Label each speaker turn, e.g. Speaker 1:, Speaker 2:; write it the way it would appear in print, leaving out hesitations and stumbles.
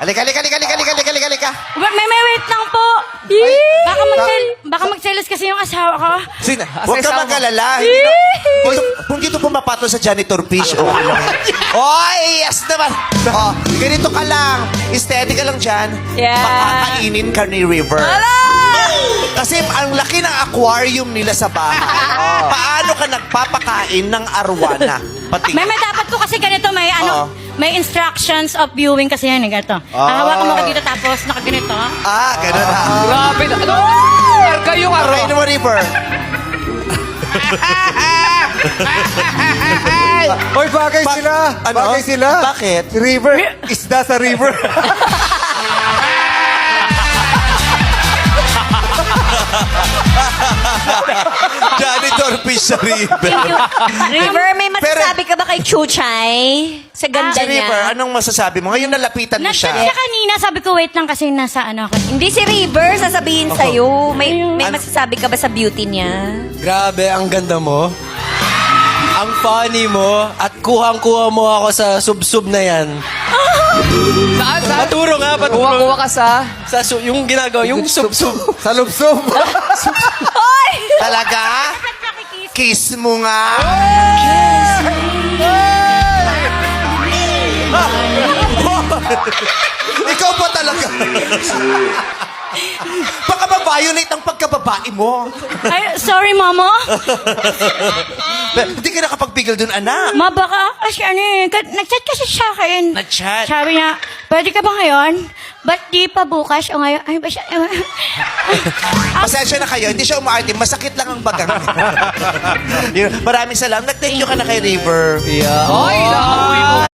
Speaker 1: Halika, halika, halika, halika, halika, halika, halika.
Speaker 2: May wait lang po. Baka magselos kasi yung asawa ko.
Speaker 1: Sina, huwag ka mag-alala. Hindi na- Kung dito pumapato sa janitor fish, okay lang. Oy, yes naman. Oh, ganito ka lang. Steady ka lang dyan.
Speaker 2: Yeah.
Speaker 1: Makakainin ka ni River. Kasi ang laki ng aquarium nila sa bahay. Paano ka nagpapakain ng arwana? Pati.
Speaker 2: May dapat ko kasi ganito, may instructions of viewing kasi yan, ganito. Hawakan mo ka dito tapos nakaganito.
Speaker 1: Ganun ha.
Speaker 3: Grabe na. Ano? Arka yung aro.
Speaker 1: Okay mo, River.
Speaker 4: Hoy, bagay sila.
Speaker 1: Ano?
Speaker 4: Bagay sila.
Speaker 1: Bakit?
Speaker 4: Si River. Isda sa River.
Speaker 1: Janitor fish sa River.
Speaker 5: River, may masasabi ka ba kay Chuchay? Sa ganda
Speaker 1: Si
Speaker 5: niya.
Speaker 1: River, anong masasabi mo? Ngayon nalapitan mo
Speaker 2: Nag-chat
Speaker 1: siya.
Speaker 2: siya kanina, sabi ko wait lang kasi nasa ano ako.
Speaker 5: Hindi si River, sasabihin sa'yo. May masasabi ka ba sa beauty niya?
Speaker 6: Grabe, ang ganda mo. Ang funny mo. At kuhang-kuha mo ako sa sub-sub na yan.
Speaker 3: Saan? Saan?
Speaker 6: Paturo nga, paturo.
Speaker 3: Kuha-kuha ka sa...
Speaker 6: Yung ginagawa, yung sub-sub.
Speaker 4: Sa lubsob.
Speaker 1: Talaga? Kiss mo nga. Ikaw ba talaga? Baka ma-violate ang pagkababae mo.
Speaker 2: Ay, sorry, mama.
Speaker 1: Hindi ka nakapagpigil dun, anak.
Speaker 2: Ma, baka kasi ano eh, nag-chat kasi siya akin.
Speaker 1: Nag-chat?
Speaker 2: Sabi niya, pwede ka ba ngayon? Ba't di pa bukas o ngayon? Ay, ba siya?
Speaker 1: Pasensya na kayo, hindi siya umaarte. Masakit lang ang bagang. Maraming salamat. Nag-thank you ka na kay River.
Speaker 6: Yeah.
Speaker 3: Ay, nakakuwi mo.